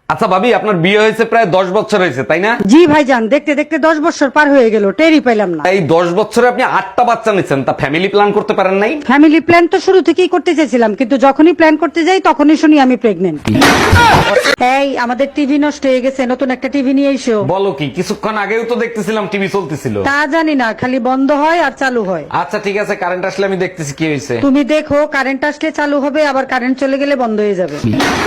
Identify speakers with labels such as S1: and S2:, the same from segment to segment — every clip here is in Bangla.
S1: আচ্ছা ভাবি, আপনার বিয়ে হয়েছে প্রায় 10 বছর হয়েছে তাই না?
S2: জি ভাইজান, দেখতে দেখতে 10 বছর পার হয়ে গেল, টেরই পেলাম না।
S1: এই 10 বছরে আপনি 8টা বাচ্চা নিচ্ছেন, তা ফ্যামিলি প্ল্যান করতে পারেন নাই?
S2: ফ্যামিলি প্ল্যান তো শুরু থেকেই করতে চেয়েছিলাম, কিন্তু যখনই প্ল্যান করতে যাই তখনই শুনি আমি প্রেগনেন্ট। এই আমাদের টিভি নষ্ট হয়ে গেছে, নতুন একটা টিভি নিয়ে এসো।
S1: বলো কি, কিছুক্ষণ আগেও তো দেখতেছিলাম টিভি চলতেছিল।
S2: তা জানি না, খালি বন্ধ হয় আর চালু হয়।
S1: আচ্ছা ঠিক আছে, কারেন্ট আসলে আমি দেখতেছি কি হয়েছে।
S2: তুমি দেখো, কারেন্ট আসলে চালু হবে, আবার কারেন্ট চলে গেলে বন্ধ হয়ে যাবে।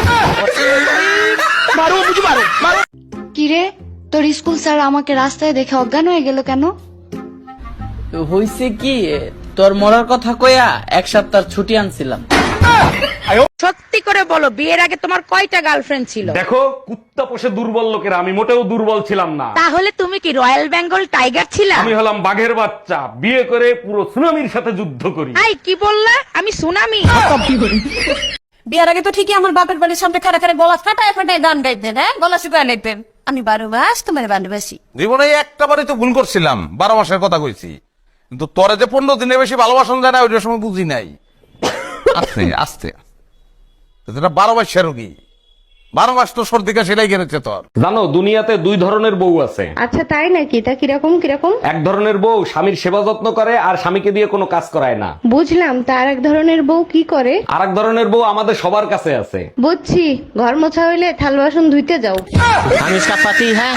S3: কিরে, তোর স্কুল স্যার আমাকে রাস্তায় দেখে অজ্ঞান হয়ে গেল কেন?
S4: হইছে কি, তোর মরার কথা কইয়া 1 সপ্তাহ ছুটি আনছিলাম।
S5: সত্যি করে বলো, বিয়ের আগে তোমার কয়টা গার্লফ্রেন্ড ছিল?
S1: দেখো, কুত্তা পোষে দুর্বল লোকেরা, আমি মোটেও দুর্বল ছিলাম না।
S5: তাহলে তুমি কি রয়্যাল বেঙ্গল টাইগার ছিলা?
S1: আমি হলাম বাঘের বাচ্চা, বিয়ে করে পুরো সুনামির সাথে যুদ্ধ করি।
S5: আই কি বললা? আমি সুনামি?
S6: বিয়ার আগে তো ঠিকই আমার বাপের বাড়ির সামনে খাড়া খাড়া গলা ফাটায় ফাটায় গান গাইতেন, হ্যাঁ, গলা শুকায় নিতেন। আমি 12 মাস তোমার ভালোবাসি।
S7: জীবনে একটা বারই তো ভুল করছিলাম, 12 মাসের কথা কইছি, কিন্তু তোরে যে 15 দিনের বেশি ভালোবাসন যায় না ওইটার সময় বুঝি নাই। আস্তে আস্তে 12 মাসের রোগী, 12 মাস তো সর্দি কাশি লেগে গেছে তোর।
S1: জানো, দুনিয়াতে 2 ধরনের বউ আছে।
S8: আচ্ছা তাই নাকি? তা কিরকম কিরকম?
S1: এক ধরনের বউ স্বামীর সেবা যত্ন করে আর স্বামীকে দিয়ে কোনো কাজ করায় না।
S8: বুঝলাম, তার এক ধরনের বউ কি করে?
S1: আর এক ধরনের বউ আমাদের সবার কাছে আছে।
S8: বুঝছি, ঘর মোছা হইলে থাল বাসন ধুইতে যাও।
S4: আমি इसका पति है।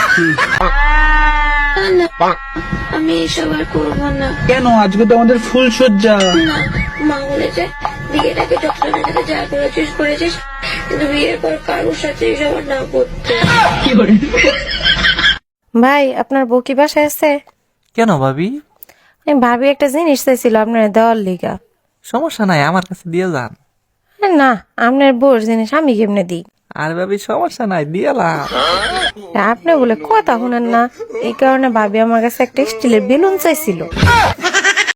S3: আমি এসব আর করবো না।
S4: কেন? আজকে তো আমাদের ফুল সজ্জা।
S3: না, মা বলেছে বিয়ের আগে ডক্টরের সাথে যা করেছিস কিন্তু বিয়ের পর কারোর সাথে এসব আর না করতে।
S9: ভাই, আপনার বউ কি বাসায় আছে?
S10: কেন ভাবি?
S9: আমি ভাবি একটা জিনিস চাইছিল আপনার দেওয়ার লিগা।
S10: সমস্যা নাই, আমার কাছে দিয়ে যান।
S9: না, আপনার বউর জিনিস আমি কেমনে দিই?
S10: আর ভাবি সমস্যা নাই, দিয়েলাম।
S9: আপনি বলে কথা শুনেন না, এই কারণে ভাবি আমার কাছে একটা স্টিলের বেলুন চাইছিল।